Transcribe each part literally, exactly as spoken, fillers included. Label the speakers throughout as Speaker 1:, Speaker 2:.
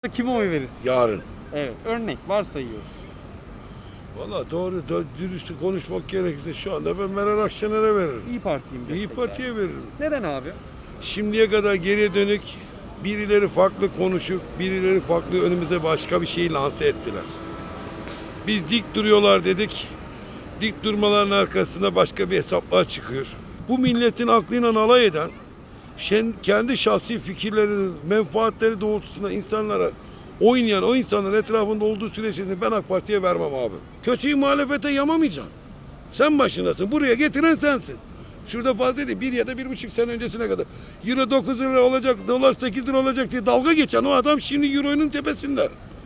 Speaker 1: Kime oy verirsin?
Speaker 2: Yarın.
Speaker 1: Evet, örnek varsayıyoruz.
Speaker 2: Valla doğru, doğru dürüst konuşmak gerekirse şu anda ben Meral Akşener'e veririm.
Speaker 1: İyi Parti'yim
Speaker 2: İyi
Speaker 1: destekler.
Speaker 2: Parti'ye veririm.
Speaker 1: Neden abi?
Speaker 2: Şimdiye kadar geriye dönük birileri farklı konuşup birileri farklı önümüze başka bir şeyi lanse ettiler. Biz dik duruyorlar dedik. Dik durmaların arkasında başka bir hesaplar çıkıyor. Bu milletin aklıyla alay eden, şen- kendi şahsi fikirleri, menfaatleri doğrultusunda insanlara oynayan o insanların etrafında olduğu süreçte ben AK Parti'ye vermem abi. Kötüyü muhalefete yamamayacaksın. Sen başındasın. Buraya getiren sensin. Şurada fazla değil. Bir ya da bir buçuk sene öncesine kadar. Euro dokuz lira olacak, dolar sekiz lira olacak diye dalga geçen o adam şimdi Euro'nun tepesinde.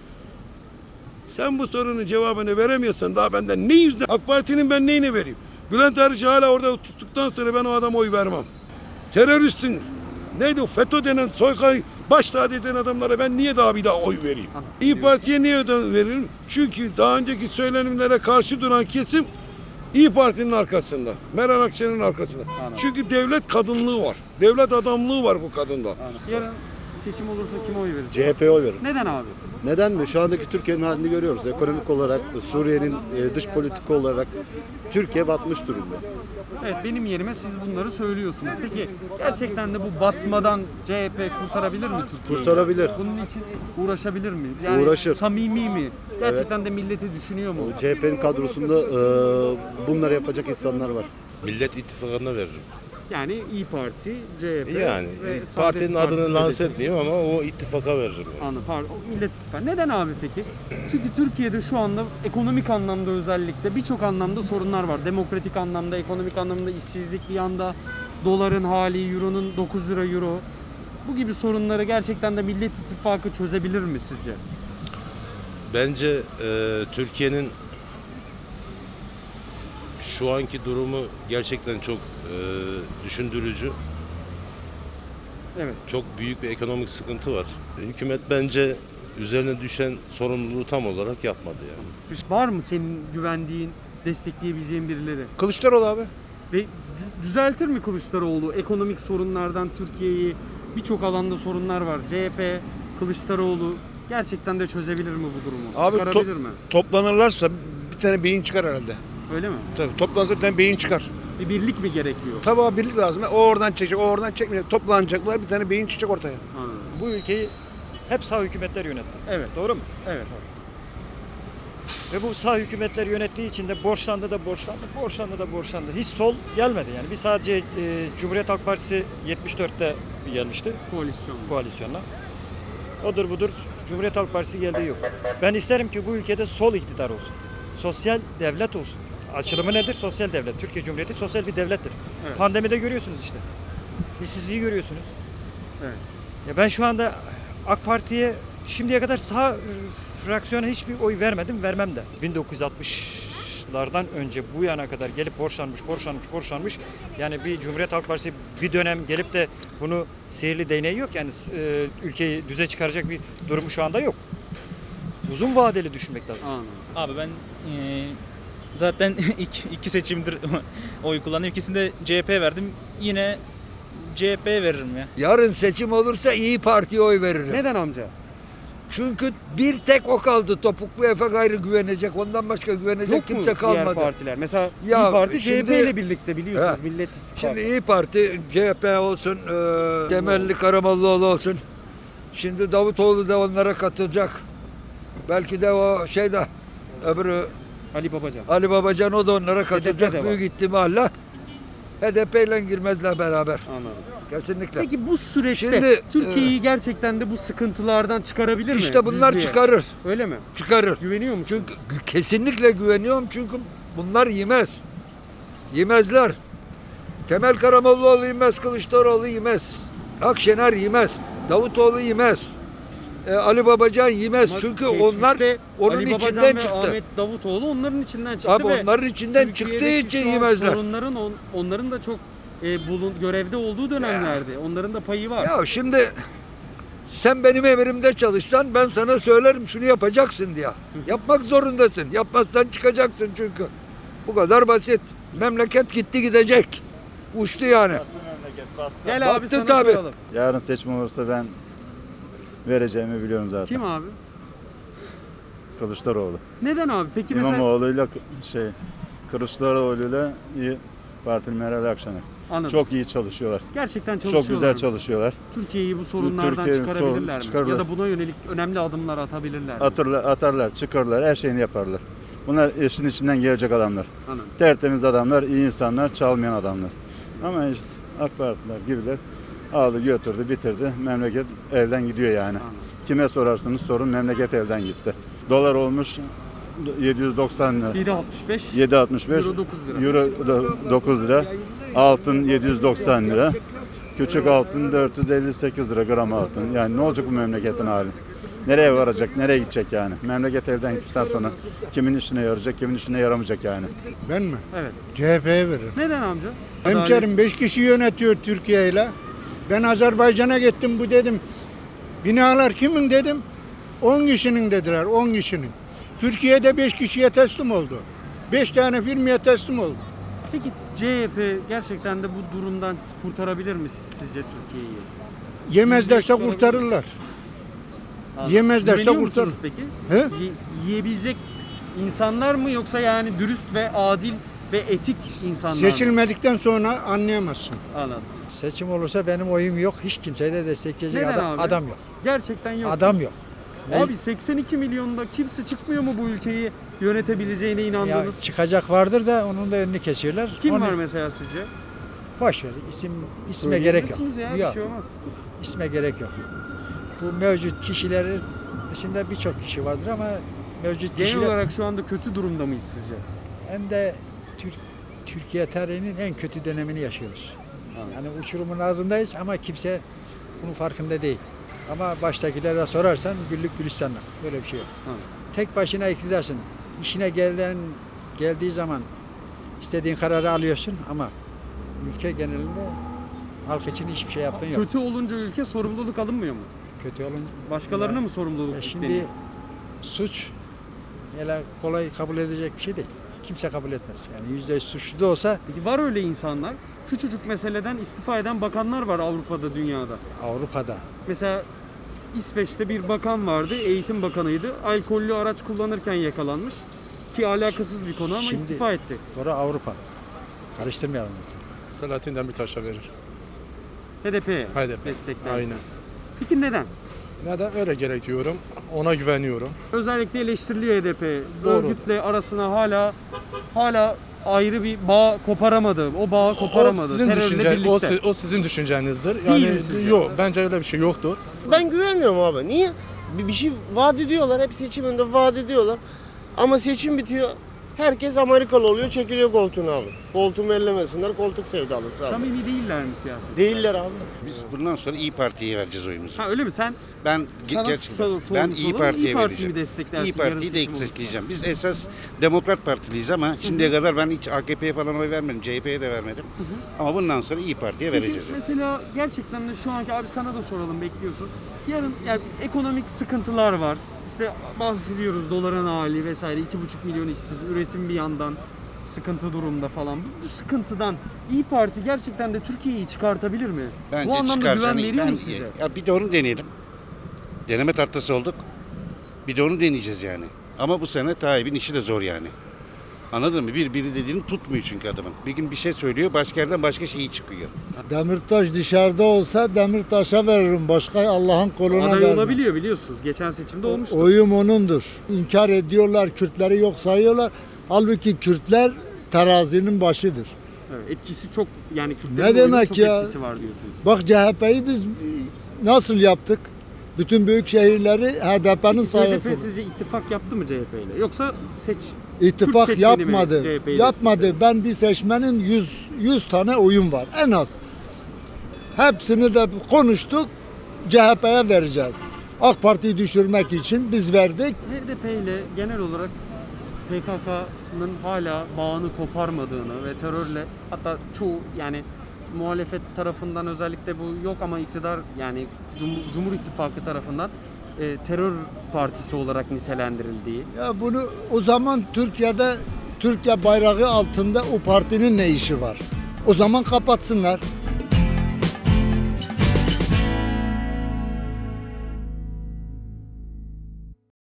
Speaker 2: Sen bu sorunun cevabını veremiyorsan daha benden ne yüzden? AK Parti'nin ben neyine vereyim? Bülent Arıcı hala orada tuttuktan sonra ben o adama oy vermem. Teröristin neydi o FETÖ denen soykırım baş tacı eden adamlara ben niye daha bir daha oy vereyim?
Speaker 1: Anladım.
Speaker 2: İyi Parti'ye niye öden veririm? Çünkü daha önceki söylenimlere karşı duran kesim İyi Parti'nin arkasında. Meral Akşener'in arkasında.
Speaker 1: Anladım.
Speaker 2: Çünkü devlet kadınlığı var. Devlet adamlığı var bu kadında.
Speaker 1: Anladım. Yarın seçim olursa kime oy verirsin?
Speaker 3: C H P'ye oy veririm.
Speaker 1: Neden abi?
Speaker 3: Neden mi? Şu andaki Türkiye'nin halini görüyoruz. Ekonomik olarak, Suriye'nin e, dış politika olarak Türkiye batmış durumda.
Speaker 1: Evet, benim yerime siz bunları söylüyorsunuz. Peki gerçekten de bu batmadan C H P kurtarabilir mi Türkiye'yi?
Speaker 3: Kurtarabilir.
Speaker 1: Bunun için uğraşabilir mi? Yani
Speaker 3: Uğraşır.
Speaker 1: samimi mi? Gerçekten de milleti düşünüyor mu?
Speaker 3: C H P'nin kadrosunda e, bunları yapacak insanlar var.
Speaker 4: Millet İttifakı'na veririm.
Speaker 1: Yani İyi Parti, C H P
Speaker 4: Yani
Speaker 1: ve
Speaker 4: partinin
Speaker 1: Saadet
Speaker 4: adını
Speaker 1: Partisi
Speaker 4: lanse
Speaker 1: dedi.
Speaker 4: etmeyeyim ama o ittifaka veririm. Yani.
Speaker 1: Anladım. Pardon. Millet İttifakı. Neden abi peki? Çünkü Türkiye'de şu anda ekonomik anlamda özellikle birçok anlamda sorunlar var. Demokratik anlamda, ekonomik anlamda işsizlik bir yanda, doların hali, euronun dokuz lira euro. Bu gibi sorunları gerçekten de Millet İttifakı çözebilir mi sizce?
Speaker 4: Bence e, Türkiye'nin şu anki durumu gerçekten çok e, düşündürücü.
Speaker 1: Evet.
Speaker 4: Çok büyük bir ekonomik sıkıntı var. Hükümet bence üzerine düşen sorumluluğu tam olarak yapmadı yani.
Speaker 1: Var mı senin güvendiğin, destekleyebileceğin birileri?
Speaker 5: Kılıçdaroğlu abi.
Speaker 1: Ve dü- düzeltir mi Kılıçdaroğlu ekonomik sorunlardan Türkiye'yi? Birçok alanda sorunlar var. C H P, Kılıçdaroğlu gerçekten de çözebilir mi bu durumu?
Speaker 5: Abi
Speaker 1: Çıkarabilir
Speaker 5: top-
Speaker 1: mi?
Speaker 5: Toplanırlarsa bir tane beyin çıkar herhalde.
Speaker 1: Öyle mi?
Speaker 5: Tabii toplanırsa bir tane beyin çıkar.
Speaker 1: Bir birlik mi gerekiyor?
Speaker 5: Tabii abi birlik lazım. O oradan çekecek, o oradan çekmeyecek. Toplanacaklar, bir tane beyin çıkacak ortaya.
Speaker 1: Anladım.
Speaker 6: Bu ülkeyi hep sağ hükümetler yönetti.
Speaker 1: Evet.
Speaker 6: Doğru mu?
Speaker 1: Evet abi.
Speaker 6: Ve bu sağ hükümetler yönettiği için de borçlandı da borçlandı, borçlandı da borçlandı. Hiç sol gelmedi yani. Bir sadece e, Cumhuriyet Halk Partisi yetmiş dörtte gelmişti
Speaker 1: Koalisyon.
Speaker 6: koalisyonla. Odur budur Cumhuriyet Halk Partisi geldiği yok. Ben isterim ki bu ülkede sol iktidar olsun. Sosyal devlet olsun. Açılımı nedir? Sosyal devlet. Türkiye Cumhuriyeti sosyal bir devlettir.
Speaker 1: Evet.
Speaker 6: Pandemide görüyorsunuz işte. İşsizliği görüyorsunuz.
Speaker 1: Evet.
Speaker 6: Ya ben şu anda AK Parti'ye şimdiye kadar sağ e, fraksiyona hiçbir oy vermedim, vermem de. bin dokuz yüz altmışlardan önce bu yana kadar gelip borçlanmış, borçlanmış, borçlanmış. Yani bir Cumhuriyet Halk Partisi bir dönem gelip de bunu sihirli değneği yok. Yani e, ülkeyi düze çıkaracak bir durumu şu anda yok. Uzun vadeli düşünmek lazım.
Speaker 1: Anladım.
Speaker 7: Abi ben eee, zaten iki, iki seçimdir oy kullandım. İkisinde C H P verdim. Yine C H P veririm ya.
Speaker 8: Yarın seçim olursa İyi Parti'ye oy veririm.
Speaker 1: Neden amca?
Speaker 8: Çünkü bir tek o kaldı. Topuklu Efe gayrı güvenecek. Ondan başka güvenecek
Speaker 1: Yok
Speaker 8: kimse
Speaker 1: mu diğer
Speaker 8: kalmadı.
Speaker 1: partiler? Mesela
Speaker 8: Ya
Speaker 1: İyi Parti C H P
Speaker 8: şimdi-
Speaker 1: ile birlikte biliyorsunuz.
Speaker 8: He.
Speaker 1: Millet İttifakı.
Speaker 8: Şimdi İyi Parti, C H P olsun, e, Temelli Karamollaoğlu olsun. Şimdi Davutoğlu da onlara katılacak. Belki de o şey de öbürü
Speaker 1: Ali Babacan.
Speaker 8: Ali Babacan o da onlara
Speaker 1: de
Speaker 8: katılacak
Speaker 1: var.
Speaker 8: büyük ihtimalle. H D P ile girmezler beraber.
Speaker 1: Anladım.
Speaker 8: Kesinlikle.
Speaker 1: Peki bu süreçte
Speaker 8: Şimdi,
Speaker 1: Türkiye'yi gerçekten de bu sıkıntılardan çıkarabilir mi?
Speaker 8: İşte bunlar
Speaker 1: Düzlüğe?
Speaker 8: çıkarır.
Speaker 1: Öyle mi?
Speaker 8: Çıkarır.
Speaker 1: Güveniyor musun?
Speaker 8: Çünkü gü- kesinlikle güveniyorum çünkü bunlar yemez. Yemezler. Temel Karamollaoğlu yemez, Kılıçdaroğlu yemez. Akşener yemez, Davutoğlu yemez. e, Ali Babacan yemez.
Speaker 1: Ama
Speaker 8: çünkü
Speaker 1: geçmişte
Speaker 8: onlar onun
Speaker 1: Ali Babacan
Speaker 8: içinden
Speaker 1: ve
Speaker 8: çıktı.
Speaker 1: Ahmet Davutoğlu onların içinden çıktı
Speaker 8: Abi
Speaker 1: ve
Speaker 8: onların içinden
Speaker 1: Türkiye'deki
Speaker 8: çıktığı için
Speaker 1: şu an
Speaker 8: yemezler.
Speaker 1: Sorunların on- onların da çok e, bulun görevde olduğu dönemlerdi. Onların da payı var.
Speaker 8: Ya şimdi sen benim emrimde çalışsan ben sana söylerim şunu yapacaksın diye. Yapmak zorundasın. Yapmazsan çıkacaksın çünkü. Bu kadar basit. Memleket gitti gidecek. Uçtu yani.
Speaker 1: Gel abi
Speaker 8: Battı
Speaker 1: sana
Speaker 8: tabii.
Speaker 1: soralım.
Speaker 3: Yarın seçim olursa ben vereceğimi biliyorum zaten.
Speaker 1: Kim abi?
Speaker 3: Kılıçdaroğlu.
Speaker 1: Neden abi? Peki mesela
Speaker 3: İmamoğlu'yla şey Kılıçdaroğlu'yla iyi Partili Meral Akşener.
Speaker 1: anladım.
Speaker 3: Çok iyi çalışıyorlar.
Speaker 1: Gerçekten çalışıyorlar.
Speaker 3: Çok güzel
Speaker 1: mı?
Speaker 3: çalışıyorlar.
Speaker 1: Türkiye'yi bu sorunlardan
Speaker 3: Türkiye'yi
Speaker 1: çıkarabilirler
Speaker 3: sorun-
Speaker 1: mi?
Speaker 3: çıkarırlar.
Speaker 1: Ya da buna yönelik önemli adımlar atabilirler mi?
Speaker 3: Atarlar, atarlar, çıkarlar, her şeyini yaparlar. Bunlar işin içinden gelecek adamlar.
Speaker 1: Anladım.
Speaker 3: Tertemiz adamlar, iyi insanlar, çalmayan adamlar. Ama işte AK Partiler gibiler aldı götürdü bitirdi. Memleket elden gidiyor yani.
Speaker 1: Anladım.
Speaker 3: Kime sorarsanız sorun memleket elden gitti. Dolar olmuş yedi yüz doksan lira.
Speaker 1: yedi altmış beş.
Speaker 3: yedi altmış beş.
Speaker 1: Euro dokuz lira.
Speaker 3: Euro do- dokuz lira. Altın yedi yüz doksan lira. Küçük altın dört yüz elli sekiz lira gram altın. Yani ne olacak bu memleketin hali? Nereye varacak, nereye gidecek yani? Memleket elden gittikten sonra kimin işine yarayacak, kimin işine yaramayacak yani?
Speaker 9: Ben mi?
Speaker 1: Evet.
Speaker 9: C H P'ye veririm.
Speaker 1: Neden amca?
Speaker 9: Hemşerim beş kişi yönetiyor Türkiye ile. Ben Azerbaycan'a gittim bu dedim. Binalar kimin dedim. on kişinin dediler, on kişinin. Türkiye'de beş kişiye teslim oldu. beş tane firmaya teslim oldu.
Speaker 1: Peki C H P gerçekten de bu durumdan kurtarabilir mi sizce Türkiye'yi?
Speaker 9: Yemezlerse kurtarırlar. Yemezlerse
Speaker 1: Güveniyor
Speaker 9: kurtarır.
Speaker 1: musunuz peki?
Speaker 9: He?
Speaker 1: Ye- yiyebilecek insanlar mı yoksa yani dürüst ve adil ve etik insanlar mı?
Speaker 9: Seçilmedikten sonra anlayamazsın.
Speaker 1: Anladım.
Speaker 10: Seçim olursa benim oyum yok. Hiç kimseyi de destekleyecek
Speaker 1: Neden
Speaker 10: adam,
Speaker 1: abi?
Speaker 10: adam yok.
Speaker 1: Gerçekten yok.
Speaker 10: Adam yok.
Speaker 1: Abi seksen iki milyonda kimse çıkmıyor mu bu ülkeyi yönetebileceğine
Speaker 10: Ya
Speaker 1: inandınız?
Speaker 10: çıkacak vardır da onun da önünü kesiyorlar.
Speaker 1: Kim
Speaker 10: Onu
Speaker 1: var mesela sizce?
Speaker 10: boş ver. İsim isme gerek yok.
Speaker 1: Söyleyebilirsiniz Ya, bir
Speaker 10: yok.
Speaker 1: şey olmaz.
Speaker 10: İsme gerek yok. Bu mevcut kişilerin dışında birçok kişi vardır ama mevcut
Speaker 1: Genel
Speaker 10: kişiler
Speaker 1: olarak şu anda kötü durumda mıyız sizce?
Speaker 10: hem de Türk, Türkiye tarihinin en kötü dönemini yaşıyoruz. Yani uçurumun ağzındayız ama kimse bunun farkında değil. Ama baştakilere sorarsan güllük gülistanlık. Böyle bir şey yok.
Speaker 1: Hı.
Speaker 10: Tek başına iktidarsın. İşine gelen geldiği zaman istediğin kararı alıyorsun ama ülke genelinde halk için hiçbir şey yaptığın yok.
Speaker 1: Kötü olunca ülke sorumluluk alınmıyor mu?
Speaker 10: Kötü olunca
Speaker 1: Başkalarına
Speaker 10: Ya-
Speaker 1: mı sorumluluk
Speaker 10: Ya
Speaker 1: yükleniyor?
Speaker 10: şimdi suç öyle kolay kabul edecek bir şey değil. Kimse kabul etmez. Yani yüzde yüz suçlu da olsa
Speaker 1: Peki var öyle insanlar. Küçücük meseleden istifa eden bakanlar var Avrupa'da, dünyada.
Speaker 10: Avrupa'da
Speaker 1: Mesela İsveç'te bir bakan vardı, eğitim bakanıydı. Alkollü araç kullanırken yakalanmış. Ki alakasız bir konu ama
Speaker 10: Şimdi-
Speaker 1: istifa etti.
Speaker 10: sonra Avrupa. Karıştırmayalım lütfen.
Speaker 5: Selahattin Demirtaş'a verir.
Speaker 1: H D P'ye
Speaker 5: H D P.
Speaker 1: desteklersiniz.
Speaker 5: Aynen.
Speaker 1: Peki neden?
Speaker 5: Neden? Öyle gerekiyorum. Ona güveniyorum.
Speaker 1: Özellikle eleştiriliyor H D P.
Speaker 5: Doğru.
Speaker 1: Örgütle arasına hala hala ayrı bir bağ koparamadı. O bağı koparamadı.
Speaker 5: O sizin,
Speaker 1: Terörle
Speaker 5: düşünce, o,
Speaker 1: birlikte.
Speaker 5: si- o sizin düşüncenizdir.
Speaker 1: Değil
Speaker 5: Yani
Speaker 1: mi sizce?
Speaker 5: yok, bence öyle bir şey yoktur.
Speaker 11: Ben güvenmiyorum abi. Niye? Bir, bir şey vaat ediyorlar. Hep seçim önünde vaat ediyorlar. Ama seçim bitiyor. Herkes Amerikalı oluyor, çekiliyor koltuğunu abi. Koltuğumu ellemesinler, koltuk sevdalısı abi.
Speaker 1: Samimi değiller mi siyaset?
Speaker 11: Değiller abi.
Speaker 12: Biz bundan sonra İyi Parti'ye vereceğiz oyumuzu.
Speaker 1: Ha öyle mi? Sen
Speaker 12: Ben
Speaker 1: sana
Speaker 12: ge- gerçekten
Speaker 1: sor-
Speaker 12: ben
Speaker 1: sormuş
Speaker 12: İyi
Speaker 1: olalım.
Speaker 12: Parti'ye
Speaker 1: İyi Parti'yi
Speaker 12: vereceğim.
Speaker 1: mi desteklersin?
Speaker 12: İyi
Speaker 1: yarın
Speaker 12: Parti'yi de
Speaker 1: seçim olursa?
Speaker 12: destekleyeceğim. Biz esas Demokrat Partiliyiz ama şimdiye kadar ben hiç A K P'ye falan oy vermedim. C H P'ye de vermedim. Ama bundan sonra İyi Parti'ye
Speaker 1: Peki
Speaker 12: vereceğiz. yani.
Speaker 1: mesela gerçekten de şu anki abi sana da soralım bekliyorsun. Yarın yani ekonomik sıkıntılar var. İşte bahsediyoruz doların hali vesaire iki buçuk milyon işsiz, üretim bir yandan sıkıntı durumda falan. Bu, bu sıkıntıdan İyi Parti gerçekten de Türkiye'yi çıkartabilir mi?
Speaker 12: Bence
Speaker 1: bu anlamda
Speaker 12: çıkaracağını-
Speaker 1: güven veriyor
Speaker 12: ben-
Speaker 1: mu size?
Speaker 12: Ya bir de onu deneyelim. Deneme tahtası olduk. Bir de onu deneyeceğiz yani. Ama bu sene Tayyip'in işi de zor yani. Anladın mı? Bir biri dediğini tutmuyor çünkü adamın. Bir gün bir şey söylüyor, başka yerden başka şey çıkıyor.
Speaker 9: Demirtaş dışarıda olsa Demirtaş'a veririm. Başka Allah'ın koluna
Speaker 1: Aday
Speaker 9: vermem.
Speaker 1: olabiliyor biliyorsunuz. Geçen seçimde olmuştu.
Speaker 9: Oyum onundur. İnkar ediyorlar, Kürtleri yok sayıyorlar. Halbuki Kürtler terazinin başıdır.
Speaker 1: Evet, etkisi çok yani Kürtlerin
Speaker 9: Ne
Speaker 1: oyunun
Speaker 9: demek
Speaker 1: çok
Speaker 9: ya?
Speaker 1: etkisi var diyorsunuz.
Speaker 9: Bak C H P'yi biz nasıl yaptık? Bütün büyük şehirleri H D P'nin
Speaker 1: H D P
Speaker 9: sayesinde.
Speaker 1: sizce ittifak yaptı mı C H P ile? Yoksa seç
Speaker 9: İttifak
Speaker 1: Kürt seçmeni mi
Speaker 9: yapmadı.
Speaker 1: C H P'yi
Speaker 9: Yapmadı. Ben bir seçmenin yüz yüz tane oyun var en az. Hepsini de konuştuk. C H P'ye vereceğiz. AK Parti'yi düşürmek için biz verdik.
Speaker 1: H D P ile genel olarak P K K'nın hala bağını koparmadığını ve terörle hatta çoğu yani muhalefet tarafından özellikle bu yok ama iktidar yani Cumhur, Cumhur İttifakı tarafından e, terör partisi olarak nitelendirildiği.
Speaker 9: Ya bunu o zaman Türkiye'de Türkiye bayrağı altında o partinin ne işi var? O zaman kapatsınlar.